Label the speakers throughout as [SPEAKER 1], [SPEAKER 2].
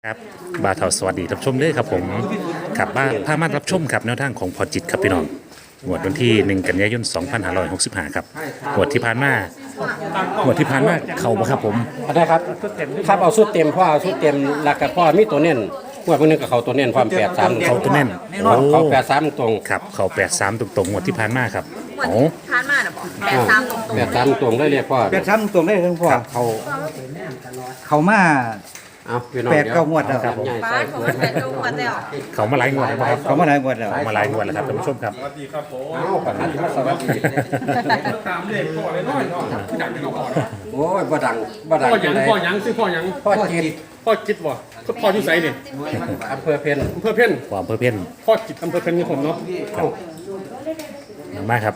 [SPEAKER 1] ครับบาทาสวัสดีท่านผู้ชมด้วยครับผมขับบ้านพามารับชมครับแนวทางของพอจิตครับพี่น้องงวดวันที่1กันยายน2565ครับงวดที่ผ่านมางวดที่ผ่านมาเข้าบ่ครับผม
[SPEAKER 2] ได้ครับครับเอาสุดเต็มพ่อเอาสุดเต็มหลักกับพ่อมีตัวเน้นพวกนึงกับเขาตัวเน้นความ83
[SPEAKER 1] เขาตัวแน่นโอ้
[SPEAKER 2] เขา83ตรง
[SPEAKER 1] ครับเขา83ตรงๆงวดที่ผ่านมาครับ
[SPEAKER 3] หมด
[SPEAKER 1] โอ้
[SPEAKER 3] ทานมาน่ะบอก83ตรง
[SPEAKER 2] 83ตรงได้เรียกพ่อ
[SPEAKER 4] แปดซ้ำตรงได้ทั้งพ่อ
[SPEAKER 2] ครับ
[SPEAKER 4] เขามา
[SPEAKER 2] เอาพี่น้อง
[SPEAKER 4] แปดเก้างวดแล้ว
[SPEAKER 2] ครับใหญ่
[SPEAKER 3] ๆ
[SPEAKER 2] ใส่
[SPEAKER 3] ป้าเขาเป็นแบบตรงมาแล้ว
[SPEAKER 1] เขามาหลายงวดแล้วครับ
[SPEAKER 4] เขามาหลายงวดแล้ว
[SPEAKER 1] เขามาหลายงวดแล้วครับท่านผู้ชมครับ
[SPEAKER 2] เอาประทัดสวัสดี
[SPEAKER 5] ตามเลขพ่อเลยน้อยเนาะที่ดังเป็นพ่อ
[SPEAKER 2] โอ้ยบ่ดังบ่ดัง
[SPEAKER 5] พ่อหยัง
[SPEAKER 2] จัง
[SPEAKER 5] พ่อ
[SPEAKER 2] ได๋
[SPEAKER 5] หยังชื่อพ่อหยัง
[SPEAKER 2] พ่อจิต
[SPEAKER 5] พ่อจิตบ่พ่ออยู่ไสนี่
[SPEAKER 2] อำเภอเพ็ญ
[SPEAKER 5] อำเภอเพ่น
[SPEAKER 1] ความเพื่อเพี้ยน
[SPEAKER 5] พ่อจิตอำเภอเพ่นนี่ผมเนาะ
[SPEAKER 1] มาครับ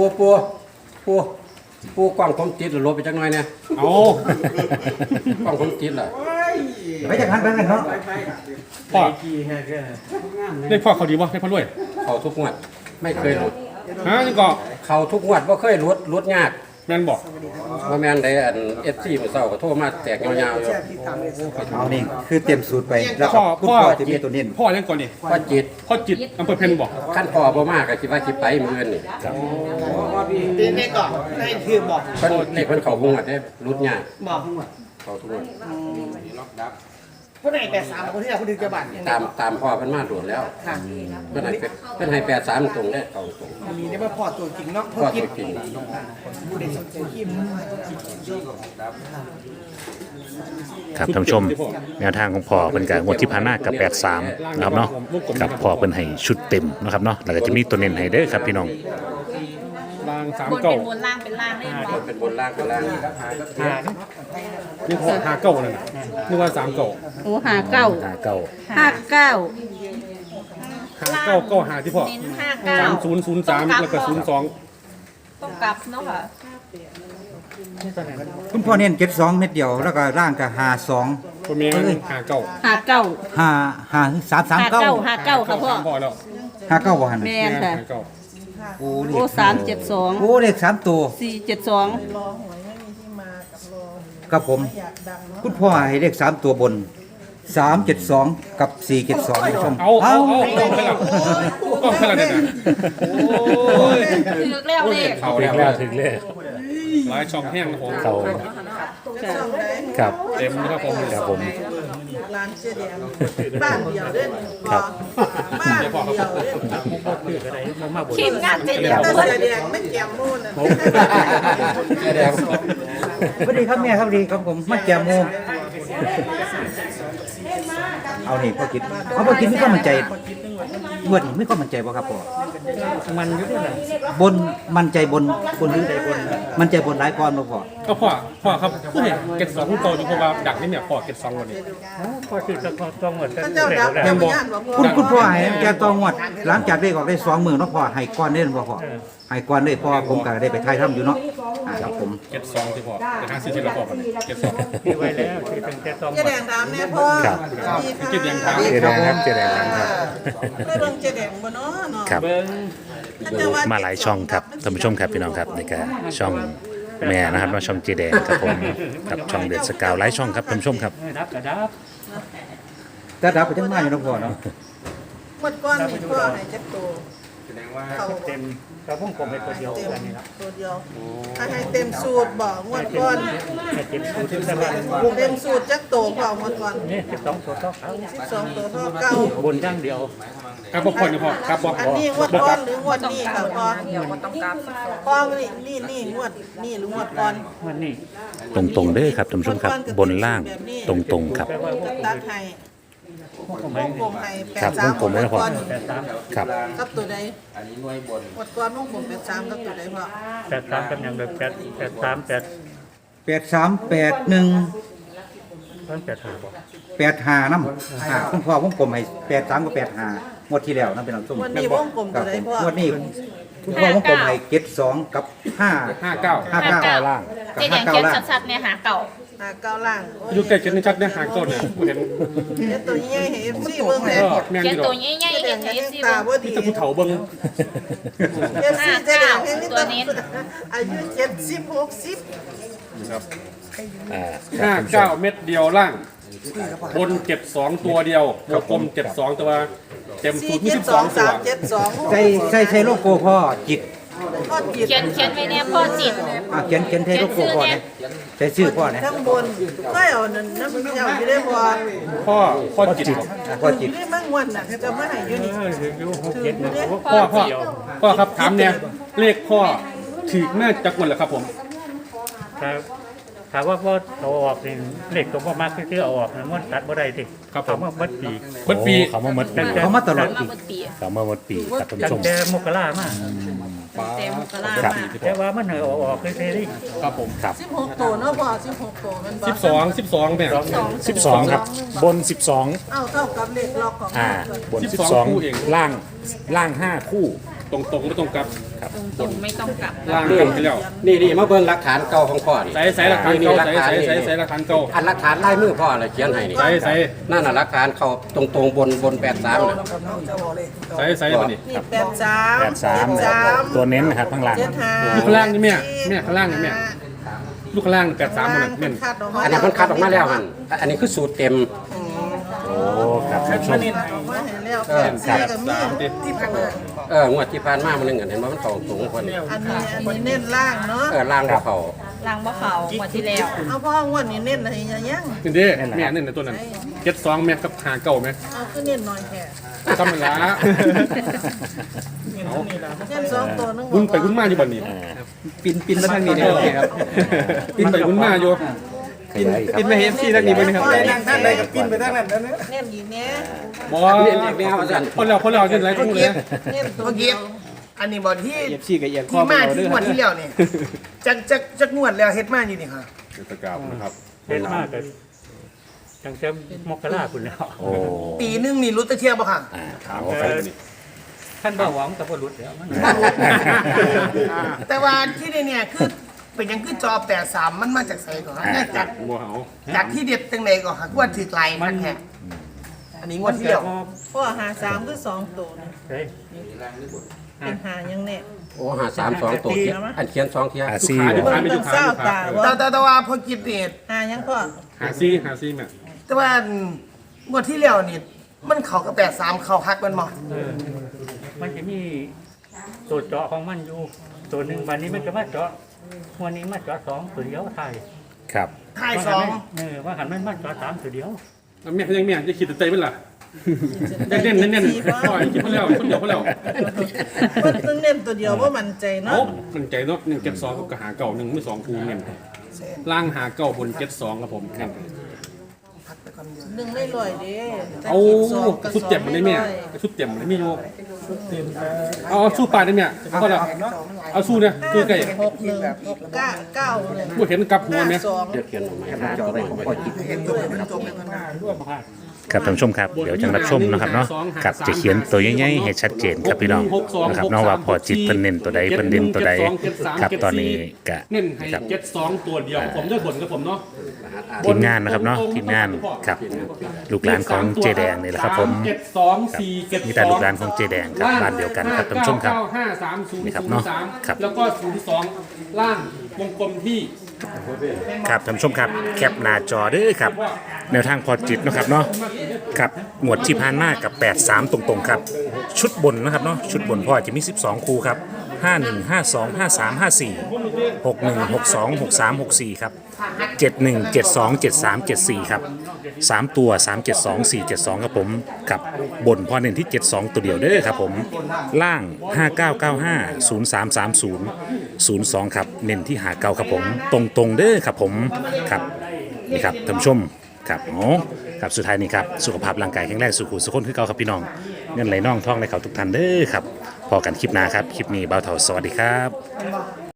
[SPEAKER 2] ปูกว้างผมจิตหรือลบไปจักหน่อยเนี่ย
[SPEAKER 5] เอา
[SPEAKER 2] กว้างผมจิตล่ะ
[SPEAKER 4] ไปจากหันไปกันเนาะ
[SPEAKER 5] พ่อได้พ่อเขาดีบ่ได้พ่อรวย
[SPEAKER 2] เขาทุกงวดไม่เคยหลุด
[SPEAKER 5] ฮะนี่ก็
[SPEAKER 2] เขาทุกงวดบ่เคยหลุดยาก
[SPEAKER 5] แม่นบอก
[SPEAKER 2] ว่าแม่นได้อัน FC มื้อเช้าก็โทรมาแตกยาวๆอยู่
[SPEAKER 4] เอานี่คือเต็มสูตรไปแล้วก็
[SPEAKER 5] พ่อ
[SPEAKER 4] คุณ
[SPEAKER 5] พ่อ
[SPEAKER 4] พ่อจะมีตัวเน้น
[SPEAKER 5] พ่อยังก่อนนี่
[SPEAKER 2] พ่อจิต
[SPEAKER 5] พ่อจิตอำเภอเพ่นบอก
[SPEAKER 2] ขั้นพ่อบ่มากก็คิดว่าสิไปมื้ออื่นนี่
[SPEAKER 6] ตีนได้ก่อนให้คือบอก
[SPEAKER 2] เพิ่นนี่เพิ่นเข้างวดได้รุดยาก
[SPEAKER 6] บอก
[SPEAKER 2] เข้าทุกงวด
[SPEAKER 6] ผู้ใด83คนที่เราพูดถึงจะบัตร
[SPEAKER 2] ตามพ่อเพิ่นมาโดดแล้ว
[SPEAKER 6] ค่ะ
[SPEAKER 2] เพิ่นให้83ตรงได้เข้าตรง
[SPEAKER 6] อันนี้ได้มาพอตัวจริงเนาะ
[SPEAKER 2] พ่อ
[SPEAKER 6] เขาคิด
[SPEAKER 2] ตัวจริง
[SPEAKER 6] ผู้ใดสนใจคิม
[SPEAKER 1] ครับท่านผู้ชมแนวทางของพ่อเป็นการงวดที่ผ่านมากับ83นะครับเนาะกับพ่อเป็นให้ชุดเต็มนะครับเนาะแล้วก็จะมีตัวเน้นให้เด้อครับพี่น้อง
[SPEAKER 5] บางสาม
[SPEAKER 3] บน
[SPEAKER 5] เก้า
[SPEAKER 3] เป็นบนล่างเป็นล่างได้บอก
[SPEAKER 2] เป็นบนล่างเป็นล่าง
[SPEAKER 5] นี่พ่อหาเก้านั่นน่ะนึกว่า3เก้า
[SPEAKER 7] โอ้59
[SPEAKER 1] 59
[SPEAKER 7] 59
[SPEAKER 5] หาเก้าเก้าหาที่พ่อ
[SPEAKER 3] เน้น59
[SPEAKER 5] 3003แล้วก็02
[SPEAKER 3] ต้องกลับเนาะค่ะ
[SPEAKER 4] คุณพ่อเน้น72เม็ดเดียวแล้วก็ร่างก็52
[SPEAKER 5] ตัวแม่หาเก้า
[SPEAKER 7] 59
[SPEAKER 4] 5339
[SPEAKER 7] 59ค่ะพ่อ
[SPEAKER 5] พ่อแล้ว
[SPEAKER 4] 59บ่หัน
[SPEAKER 7] แม่นค่ะ
[SPEAKER 5] หาเก้า
[SPEAKER 4] โอ้เล
[SPEAKER 7] โอ้
[SPEAKER 4] ข
[SPEAKER 7] 372
[SPEAKER 4] โอ้เลข3ตัว
[SPEAKER 7] 472
[SPEAKER 4] ครับผม คุณพ่อให้เลข3ตัวบน372กับ472ท่านผู้ชม
[SPEAKER 5] เอากล้องไปแล้วกล้องไปแล้วเนี่ยนะโอ้ย
[SPEAKER 3] คือแล้วเลข
[SPEAKER 5] เขา
[SPEAKER 1] ถึ
[SPEAKER 5] แล้
[SPEAKER 1] ง
[SPEAKER 5] ว
[SPEAKER 1] แล้วถึงเลข
[SPEAKER 5] หลายช่องแห้งนะผม
[SPEAKER 1] เขาครับ
[SPEAKER 5] เต็มนะครับผม
[SPEAKER 1] ครับผม
[SPEAKER 6] ร้านเจ๊แดงบ้านเดียวเด้น
[SPEAKER 1] ครับ
[SPEAKER 6] บ้านเดียวเด้น
[SPEAKER 3] ทีมงานเจ็ดเดียว
[SPEAKER 6] แต่
[SPEAKER 3] เบิด
[SPEAKER 6] เจ๊แดงไม่แก้มมูนนะ
[SPEAKER 2] แสดง
[SPEAKER 4] สวัสดีครับแม่ครับดีครับผมมาแก้มโมเอานี่พ่อคิดเอาพ่อคิดมีความมั่นใจงวดนี้มีความมั่นใจบ่ครับพ่อมันอยู่บนมั่นใจบนหรือใดบนมั่นใจบนหลายก้อนบ่พ่อ
[SPEAKER 5] ก็พ่อครับผู้เห็นเก็ตสองผู้โตอยู่เพราะว่าดักนี่เนี่ยพ่อเก็ตสองวันนี้
[SPEAKER 6] พระเจ้าดับแต่ไม่ย่านบอก
[SPEAKER 4] คุณพ่อให้แกตองวดหลังจากได้ออกได้2มื้อเนาะพ่อให้ก้อนเด้บ่พ่อให้ก้อนได้พ่อผมก็ได้ไปถ่ายทำอยู่เนาะครับผม
[SPEAKER 5] เก็ตสองที่พ่อแต่ถ้าซื้อที่เราพ่อกันเก็ตสอง
[SPEAKER 6] เจ๊แดงดำเนี่ยพ่อ
[SPEAKER 1] ครับ
[SPEAKER 5] เก็ตยังทาง
[SPEAKER 1] เจแดงครับเจแดงครับ
[SPEAKER 6] ได้เบิ่งเจ๊แดงบ่เนาะเนาะ
[SPEAKER 1] ครับ มาหลายช่องครับท่านผู้ชมครับพี่น้องครับนี่ก็ช่องแม่นะครับมาช่องเจแดงครับผมกับช่องเดือดสกาวหลายช่องครับท่านผู้ชมครับ
[SPEAKER 4] แต่ดับไปจังมาอยู่เนาะพ่อเนาะ
[SPEAKER 6] หมดก้อนนี่พ่อให้จักโตเขา
[SPEAKER 8] เต็มกระพุ่งกลมเป็นตัวเดียวกันนี่ครับ
[SPEAKER 6] ตัวเดียวให้เต็มสูตรบ่งวดก้อน
[SPEAKER 8] ให้เต็มสูตรที่สบาย
[SPEAKER 6] เต็มสูตรจักโตพ่อหมดก้อน
[SPEAKER 8] นี่12ตัวเท่าเขา
[SPEAKER 6] 12ตัวเท่าเก้า
[SPEAKER 8] บนอย่างเดียว
[SPEAKER 5] ครับพ่อนี่พ่อครับพ่อ
[SPEAKER 6] อันนี้งวดก้อนหรืองวดนี้ค่ะพ่อ
[SPEAKER 3] เดี๋ยวก็ต้องกลับ
[SPEAKER 6] พ่อนี่งวดนี่หรืองวดก้อน
[SPEAKER 8] วันนี้
[SPEAKER 1] ตรงๆเด้อครับท่านผู้ชมครับบนล่างตรงๆครับ
[SPEAKER 6] ตัดให้วงกลมให้
[SPEAKER 1] ครับวงกลมไว้นะพ่อ
[SPEAKER 6] ก้อน
[SPEAKER 1] ครับ
[SPEAKER 6] กับตัวใดอันนี้หน่วยบนงวดก้อนวงกลม83กับตัวใดพ่อ
[SPEAKER 8] 83กันอย่างแบบ83
[SPEAKER 4] 8381
[SPEAKER 8] 85บ่
[SPEAKER 4] 85นำคุณพ่อผมกลมให้83กับ85งวดที่แล้วนำเป็นน้ำส้ม
[SPEAKER 6] งวดนี้วงกลม
[SPEAKER 4] ครั
[SPEAKER 6] ตั
[SPEAKER 4] บ
[SPEAKER 6] วใด
[SPEAKER 4] ผม
[SPEAKER 6] พ่อง
[SPEAKER 4] วดนี้คุณพ่อผมกลมให้72กับ5
[SPEAKER 5] 59
[SPEAKER 4] ล่างกับ
[SPEAKER 3] เจ๊แดง
[SPEAKER 4] 59
[SPEAKER 3] เขียน
[SPEAKER 4] ล่าง
[SPEAKER 3] ชัดๆเนี่ยหาเก่า
[SPEAKER 6] เก้าล่าง
[SPEAKER 5] อยู่ใกล้เก็ตนี่ชัดเนี่ยหางโจทย์เนี่ยผู้เห็น
[SPEAKER 6] เดี๋ยวตัวใหญ่ให้ FC เบิ่งแน่
[SPEAKER 5] แม่น
[SPEAKER 3] เขีย
[SPEAKER 5] อน ยู่ด
[SPEAKER 3] ตั
[SPEAKER 5] อ
[SPEAKER 3] ว
[SPEAKER 5] ก
[SPEAKER 3] ใหญ่ๆ
[SPEAKER 6] เจ๊แด
[SPEAKER 3] เห็
[SPEAKER 6] ง
[SPEAKER 3] น
[SPEAKER 6] ให้
[SPEAKER 3] เอฟซี
[SPEAKER 6] ตาบ่ดี
[SPEAKER 5] มีแต่ผู้เฒ่าเบิ่ง
[SPEAKER 6] FC เจ๊แดงให้มีแต่อายุ70 60
[SPEAKER 5] ครับ
[SPEAKER 1] อ่า
[SPEAKER 5] 59เม็ดเดียวล่างบน72ตัวเดียววงกลม72ตัวเต็มสูตรมี12ตัว
[SPEAKER 4] ใช่โลโก้พ่อจิต
[SPEAKER 6] เขียนไว้เนี่ยพ่อจิต
[SPEAKER 4] เขียนใช่โลโก้พ่อเนี่ยใช่ชื่อพ่อเนี่ย
[SPEAKER 9] ข้างบนก็เอานั่นน้ำเจ้าอยู่ได้บ่
[SPEAKER 5] พ่อจิต
[SPEAKER 4] พ่อจิต
[SPEAKER 9] ได้มั่งวันน่ะจะมาให้อยู่นี่
[SPEAKER 5] พ่อครับถามเนี่ยเลขพ่อถือแม่จักวันเหรอครับผม
[SPEAKER 8] ครับถามว่าพ่อเอาออกนี่เลขตัวพ่อมากที่เอาออกนะมันตัดบ่ได้ดิเขามาเบิดปี
[SPEAKER 5] เบิดปี
[SPEAKER 1] เขามาหมดปี
[SPEAKER 4] เขามาตลอดปี
[SPEAKER 1] เขามาหมดปีครับท่าน
[SPEAKER 8] ตั้
[SPEAKER 1] ผู้ช
[SPEAKER 8] ง
[SPEAKER 1] ม
[SPEAKER 8] แต่มกรามา
[SPEAKER 3] เต็มกระลา
[SPEAKER 1] ครับ
[SPEAKER 3] มา
[SPEAKER 8] แต่ว่ามันเอาออกเลยดิ
[SPEAKER 5] ครับผม
[SPEAKER 1] ครับ
[SPEAKER 9] 16ตัวเนาะพ่อ16ตัวมันบ่
[SPEAKER 5] 12แม่
[SPEAKER 1] 12 ครับ บน
[SPEAKER 9] เอ้าเท่ากับเลขล็อกของ
[SPEAKER 1] บน
[SPEAKER 5] 12คู่เอง
[SPEAKER 1] 12 ล่าง 5 คู่
[SPEAKER 5] ตรงไม่ตรงกับ
[SPEAKER 3] ตรงไม่ต้องกลับ
[SPEAKER 5] ล่างกันไปแล้ว
[SPEAKER 2] นี่มาเบิ่งหลักฐานเก่าของพ่อนี่
[SPEAKER 5] ใส่หลักฐานเก่าใส่หลักฐานเก่า
[SPEAKER 2] อันหลักฐานลายมือพ่อเลยเขียนให้นี่
[SPEAKER 5] ใส่
[SPEAKER 2] นั่นน่ะหลักฐานเขาตรงบน83น่ะ
[SPEAKER 5] ใส่บ่นี่
[SPEAKER 9] นี่83
[SPEAKER 1] 83 ตัวเน้นนะครับข้างล่าง
[SPEAKER 5] ลูกข้างล่างนี่แม่ข้างล่างนี่แม่ลูกข้างล่าง83มันแม่น
[SPEAKER 2] อันนั้นมันคัดออกมาแล้วหั่นอันนี้คือสูตรเต็ม
[SPEAKER 1] โอ้ครับท่านผู้ชม
[SPEAKER 9] ออกมาให้แล้ว84ก็มีที่ผ่าน
[SPEAKER 2] งวดที่ผ่านมามันนึงเห็นว่ามันเข้าตรงคนนี้
[SPEAKER 9] อันนี้เน้นล่างเนาะ
[SPEAKER 2] ล่างบ่เข้า
[SPEAKER 3] ล้างบ่เขากว่าที่แล้ว
[SPEAKER 9] เอาพ่องวดนี้เน้นอะไรยัง
[SPEAKER 5] นี่เด้แม่นี่ในตัวนั้น72แม่กับหาเก่าแม่
[SPEAKER 9] เอาคือเน้นหน่อยแค่
[SPEAKER 5] ทำมันละ
[SPEAKER 9] เน้น2ตัวนึง
[SPEAKER 5] วุ้นไปวุ้นมาอยู่บ่นี่
[SPEAKER 4] ปินมาทางนี้เนี่ยครับ
[SPEAKER 5] วุ้นไปวุ้นมาอยู่
[SPEAKER 4] ปินมาเห็นที่ทางนี้บ่นี่ครับ
[SPEAKER 9] ท่านใดก็ปิ้นไปทางนั้นเน้นอีกแน่
[SPEAKER 5] บ่
[SPEAKER 2] เรียนแนวซั่น
[SPEAKER 5] คนเราจะไหนก็เลย
[SPEAKER 9] เน้นตัว
[SPEAKER 10] เมื่อ
[SPEAKER 9] เดี
[SPEAKER 10] กี้
[SPEAKER 9] ยว
[SPEAKER 10] อันนี้บอกที่
[SPEAKER 4] เอฟซีกับเอียงข้อ
[SPEAKER 10] ที่
[SPEAKER 4] มา
[SPEAKER 10] มา
[SPEAKER 4] เอาเด้
[SPEAKER 10] ที่
[SPEAKER 4] อง
[SPEAKER 10] วดที่แล้วเนี่ยจักงวดแล้วเฮ็ดมาอยู่นี่ค่ะ
[SPEAKER 5] ตะกราบนะครับ
[SPEAKER 8] เห็นมากเลยตั้งแต่มกราคุณแล้ว
[SPEAKER 1] โอ้
[SPEAKER 10] ปีนึงนี่รู้ตะเทียบป่ะค่ะ
[SPEAKER 5] ถามเขาไปนี่
[SPEAKER 8] ท่านบ่หวังกับบ่หลุดแล้วมัน
[SPEAKER 10] แต่ว่าที่เนี่ยคือเป็นหยังคือจอ83มันมาจากไสก่อนฮะจาก
[SPEAKER 5] บ่เฮา
[SPEAKER 10] จากที่เด็ดจังไดก่อนค่ะว่าถือไกลมันแท้อันนี้งวดที่แล้ว
[SPEAKER 9] พ่อหา3คือ2ตัวนะ
[SPEAKER 8] เฮ้ย
[SPEAKER 9] เป็นหายังแน่
[SPEAKER 2] โอ้หา3 2ตัวเขียนอันเขียน2เที่ย
[SPEAKER 1] อาซี
[SPEAKER 5] ลูกค้าไม่
[SPEAKER 9] ต้
[SPEAKER 5] ลู
[SPEAKER 9] อง
[SPEAKER 5] กค้า
[SPEAKER 9] เศร้า
[SPEAKER 5] ลูกค้า
[SPEAKER 9] ตาว่า
[SPEAKER 10] แต่ว่าพอกินเนี่ย
[SPEAKER 9] หายังพ่อ
[SPEAKER 5] หาซี่แม่
[SPEAKER 10] แต่ว่างวดที่แล้วนี่มันเข้ากับ83เข้าฮักมันบ่
[SPEAKER 8] มันจะมีตัวเจาะของมันอยู่ตัวหนึ่งวันนี้มันจะมาเจาะวันนี้มาเจาะ2ตัวเดียวไทย
[SPEAKER 1] ครับ
[SPEAKER 10] ท้าย
[SPEAKER 8] ว่าหันมันมาเจาะ3ตัวเดียว
[SPEAKER 5] แม่ยังแม่จะคิดใจเป็นล่ะเน้นพ่อคิดเพิ่นแล้วคนเดียวเพิ่นแล้ว
[SPEAKER 9] มันต้องเน้นตัวเดียวว่ามันใจ
[SPEAKER 5] โอ้
[SPEAKER 9] เนาะ
[SPEAKER 5] มันใจเนาะ172กับหาเก่า1ไม่2คูเงินล่างหาเก่าบน72ครับผมเงิน
[SPEAKER 9] หนึ่งได้ร้อยเด้
[SPEAKER 5] เอาชุดเจ็บมันได้แม่ชุดเจ็บมันได้มีอยู่เอาสู้ปลาได้แม่ก็แล้วเอาสู้เนี่ยคือไก่
[SPEAKER 9] 61
[SPEAKER 5] บ่เห็นกับหัวแม่
[SPEAKER 2] เดี๋ยวเขียนออกมาจอได้ของพ่อจิต
[SPEAKER 1] ครับท่านผู้ชมครับเดี๋ยวจะรับชมนะครับเนาะกับจะเขียนตัวใหญ่ๆให้ชัดเจนครับพี่น้องนะครับเนาะว่าพอจิตเพิ่นเน้นตัวใดเพิ่นเด่นตัวใดครับตอนนี้กะ
[SPEAKER 5] เน้นให้
[SPEAKER 1] ครับ
[SPEAKER 5] 72ตัวเดียวผมด้วยผลกับผมเนาะ
[SPEAKER 1] ทีมงานนะครับเนาะทีมงานครับลูกหลานของเจแดงนี่แหละครับผม
[SPEAKER 5] 72 4
[SPEAKER 1] มีแต่ลูกหลานของเจแดงครับบ้านเดียวกันครับท่านผู้ชมครับ
[SPEAKER 5] 530
[SPEAKER 1] นี่ครับเนาะครับ
[SPEAKER 5] แล้วก็02ล่างวงกลมที่
[SPEAKER 1] ครับท่านผู้ชมครับแคปหน้าจอเด้อครับแนวทางพอจิตนะครับเนาะครับหมวดที่ผ่านมากับ 83 ตรงๆครับชุดบนนะครับเนาะชุดบนพ่อจะมี 12 คู่ครับ 51 52 53 54 61 62 63 64ครับ71 72 73 74ครับ3ตัว372 472ครับผมกับบนพ่อเน้นที่ 72 ตัวเดียวเด้อครับผมล่าง 5995 0330 02ครับเน้นที่หาเก้าครับผมตรงๆเด้อครับผมครับนี่ครับท่านผู้ชมครับโอ้ครับสุดท้ายนี่ครับสุขภาพร่างกายแข็งแรงสุขุสุขคนคือเก่าครับพี่น้องเงินไหลน่องท่องไหลเขาทุกท่านเด้อครับพอกันคลิปหน้าครับคลิปนี้บ่าวเฒ่าสวัสดีครับ